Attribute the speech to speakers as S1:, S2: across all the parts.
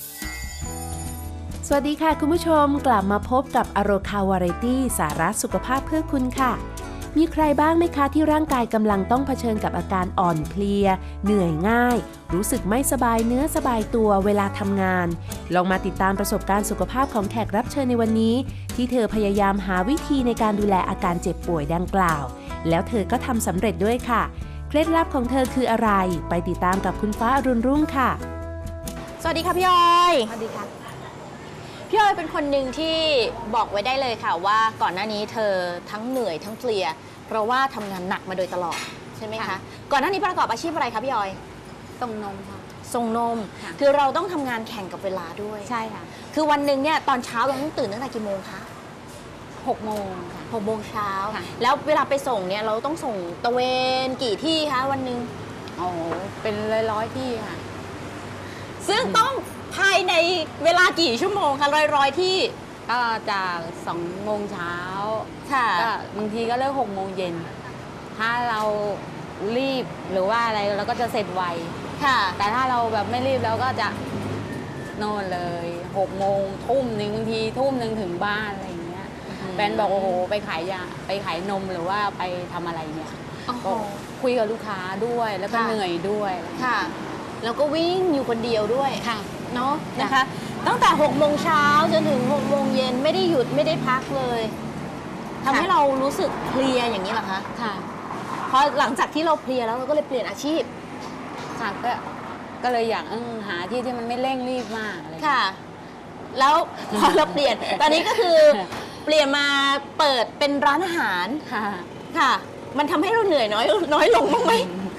S1: สวัสดีค่ะคุณผู้ชมกลับมาพบกับอโรคาวาไรตี้สาระสุขภาพเพื่อคุณค่ะมีใครบ้างไหมคะที่ร่างกายกำลังต้องเผชิญกับอาการอ่อนเพลียเหนื่อยง่ายรู้สึกไม่สบายเนื้อสบายตัวเวลาทำงานลองมาติดตามประสบการณ์สุขภาพของแขกรับเชิญในวันนี้ที่เธอพยายามหาวิธีในการดูแลอาการเจ็บป่วยดังกล่าวแล้วเธอก็ทำสำเร็จด้วยค่ะเคล็ดลับของเธอคืออะไรไปติดตามกับคุณฟ้าอรุณรุ่งค่ะ
S2: สวัสดีค่ะพี่ออยสวัสดีค่ะพี่ออยเป็นคนหนึ่งที่บอกไว้ได้เลยค่ะว่าก่อนหน้านี้เธอทั้งเหนื่อยทั้งเพลียเพราะว่าทำงานหนักมาโดยตลอดใช่ไหมคะก่อนหน้านี้ประกอบอาชีพอะไรคะพี่ออย
S3: ส่งนมค่ะ
S2: ส่งนมคือเราต้องทำงานแข่งกับเวลาด้วย
S3: ใช่ค่ะ
S2: คือวันหนึ่งเนี่ยตอนเช้าเราต้องตื่นตั้งแต่กี่โมงคะ
S3: 6 โมงค่ะ
S2: 6 โมงเช้าแล้วเวลาไปส่งเนี่ยเราต้องส่งตะเวนกี่ที่คะวันหนึ่ง
S3: โอ้เป็นร้อยที่ค่ะ
S2: ซึ่งต้องภายในเวลากี่ชั่วโมงคะร้อยที่
S3: ก็จาก2 โมงเช้า
S2: ค่ะ
S3: ก็บางทีก็เลิก6 โมงเย็นถ้าเรารีบหรือว่าอะไรเราก็จะเสร็จไว
S2: ค่ะ
S3: แต่ถ้าเราแบบไม่รีบเราก็จะนอนเลย6 โมงทุ่มหนึ่งบางทีทุ่มหนึ่งถึงบ้านอะไรอย่างเงี้ยแฟนบอกโอ้โหไปขายยาไปขายนมหรือว่าไปทำอะไรเนี่ยก็คุยกับลูกค้าด้วยแล้วก็เหนื่อยด้วย
S2: ค่ะแล้วก็วิ่งอยู่คนเดียวด้วย
S3: ค่ะ
S2: เนาะนะคะตั้งแต่6 โมงเช้าจนถึง6 โมงเย็นไม่ได้หยุดไม่ได้พักเลยทำให้เรารู้สึกเพลียอย่างนี้เหรอคะ
S3: ค่ะ
S2: พอหลังจากที่เราเพลียแล้วเราก็เลยเปลี่ยนอาชีพ
S3: ค่ะก็เลยอยากหาที่ที่มันไม่เร่งรีบมากเลย
S2: ค่ะแล้วพอเราเปลี่ยนตอนนี้ก็คือเปลี่ยนมาเปิดเป็นร้านอาหาร
S3: ค่ะ
S2: ค่ะมันทำให้เราเหนื่อยน้อยลงบ้างไหม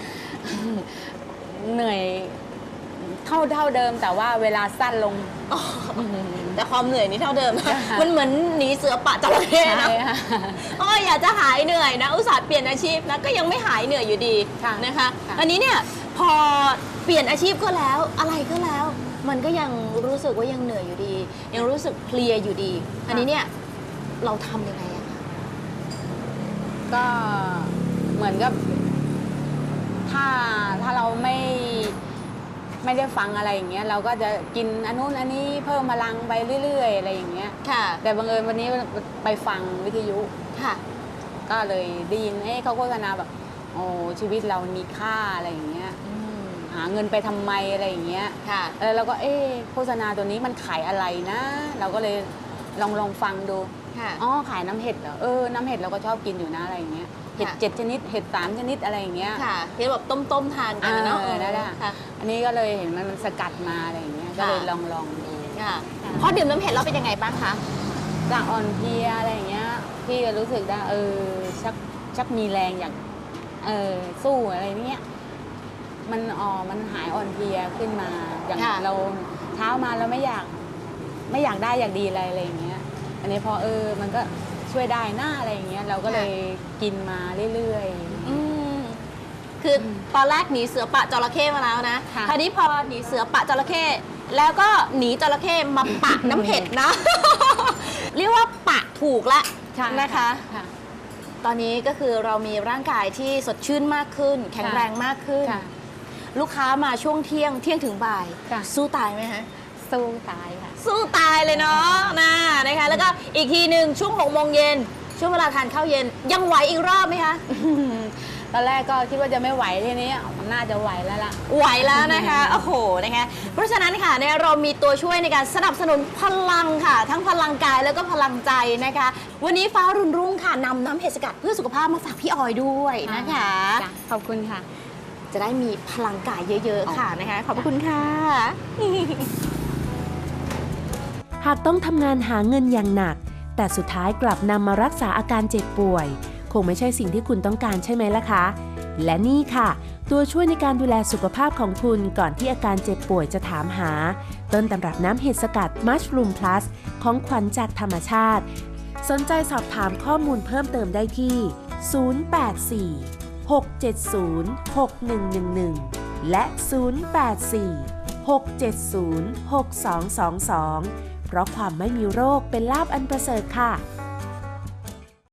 S3: เหนื่อยเท่าเดิมแต่ว่าเวลาสั้นลง
S2: แต่ความเหนื่อยนี่เท่าเดิมมันเหมือนหนีเสือป่าจระเข้นะอยากจะหายเหนื่อยนะอุตส่าห์เปลี่ยนอาชีพนะก็ยังไม่หายเหนื่อยอยู่ดีนะคะอันนี้เนี่ยพอเปลี่ยนอาชีพก็แล้วอะไรก็แล้วมันก็ยังรู้สึกว่ายังเหนื่อยอยู่ดียังรู้สึกเพลียอยู่ดีอันนี้เนี่ยเราทำยังไงอะคะ
S3: ก็เหมือนกับถ้าเราไม่ได้ฟังอะไรอย่างเงี้ยเราก็จะกินอันนู้นอันนี้เพิ่มพลังไปเรื่อยๆอะไรอย่างเงี้ย
S2: ค่ะ
S3: แต่บังเอิญวันนี้ไปฟังวิทยุ
S2: ค่ะ
S3: ก็เลยได้ยินเขาโฆษณาแบบโอ้ชีวิตเรามีค่าอะไรอย่างเงี้ยหาเงินไปทำไมอะไรอย่างเงี้ย
S2: ค่ะ
S3: แล้วเราก็โฆษณาตัวนี้มันขายอะไรนะเราก็เลยลองฟังดูอ๋อขายน้ำเห็ดเหรอน้ำเห็ดเราก็ชอบกินอยู่นะอะไรอย่างเงี้ยเห็ด7 ชนิดเห็ด3 ชนิดอะไรอย่างเงี้ย
S2: ค่ะที่แบบต้มทานกันเนาะ
S3: นั่นแหละอันนี้ก็เลยเห็นมันสกัดมาอะไรอย่างเงี้ยก็เลยลองดู
S2: ค่ะพอดื่มน้ำเห็ดแล้วเป็นยังไงบ้างคะ
S3: จากอ่อนเพลียอะไรอย่างเงี้ยพี่ก็รู้สึกได้ชักมีแรงอย่างสู้อะไรเงี้ยมันหายอ่อนเพลียขึ้นมาอย่างเราเช้ามาเราไม่อยากได้อยากดีอะไรอย่างเงี้ยอันนี้พอมันก็ช่วยได้หน้าอะไรอย่างเงี้ยเราก็เลยกินมาเรื่อย
S2: ๆคือตอนแรกหนีเสือปะจระเข้มาแล้วนะคราวนี้พอหนีเสือปะจระเข้แล้วก็หนีจระเข้มาปะน้ำเห็ดนะเรียกว่าปะถูกละนะคะตอนนี้ก็คือเรามีร่างกายที่สดชื่นมากขึ้นแข็งแรงมากขึ้นลูกค้ามาช่วงเที่ยงถึงบ่ายสู้ตายไหมฮะ
S3: สู้ตายค่ะ
S2: สู้ตายเลยเนาะนะคะแล้วก็อีกทีหนึ่งช่วง6 โมงเย็นช่วงเวลาทานข้าวเย็นยังไหวอีกรอบไหมคะ
S3: ตอนแรกก็คิดว่าจะไม่ไหวทีนี้มันน่าจะไหวแล้วล่ะ
S2: ไหวแล้วนะคะโอ้โหนะคะเพราะฉะนั้นค่ะเนี่ยเรามีตัวช่วยในการสนับสนุนพลังค่ะทั้งพลังกายแล้วก็พลังใจนะคะวันนี้ฟ้ารุ่นรุ่งค่ะนำน้ำเห็ดสกัดเพื่อสุขภาพมาฝากพี่ออยด้วยนะคะ
S3: ขอบคุณค่ะ
S2: จะได้มีพลังกายเยอะๆค่ะนะคะขอบคุณค่ะ
S1: หากต้องทำงานหาเงินอย่างหนักแต่สุดท้ายกลับนำมารักษาอาการเจ็บป่วยคงไม่ใช่สิ่งที่คุณต้องการใช่ไหมล่ะคะและนี่ค่ะตัวช่วยในการดูแลสุขภาพของคุณก่อนที่อาการเจ็บป่วยจะถามหาต้นตำรับน้ำเห็ดสกัดมัชรูมพลัสของขวัญจากธรรมชาติสนใจสอบถามข้อมูลเพิ่มเติมได้ที่084-670-6111และ084-670-6222เพราะความไม่มีโรคเป็นลาภอันประเสริฐค่ะ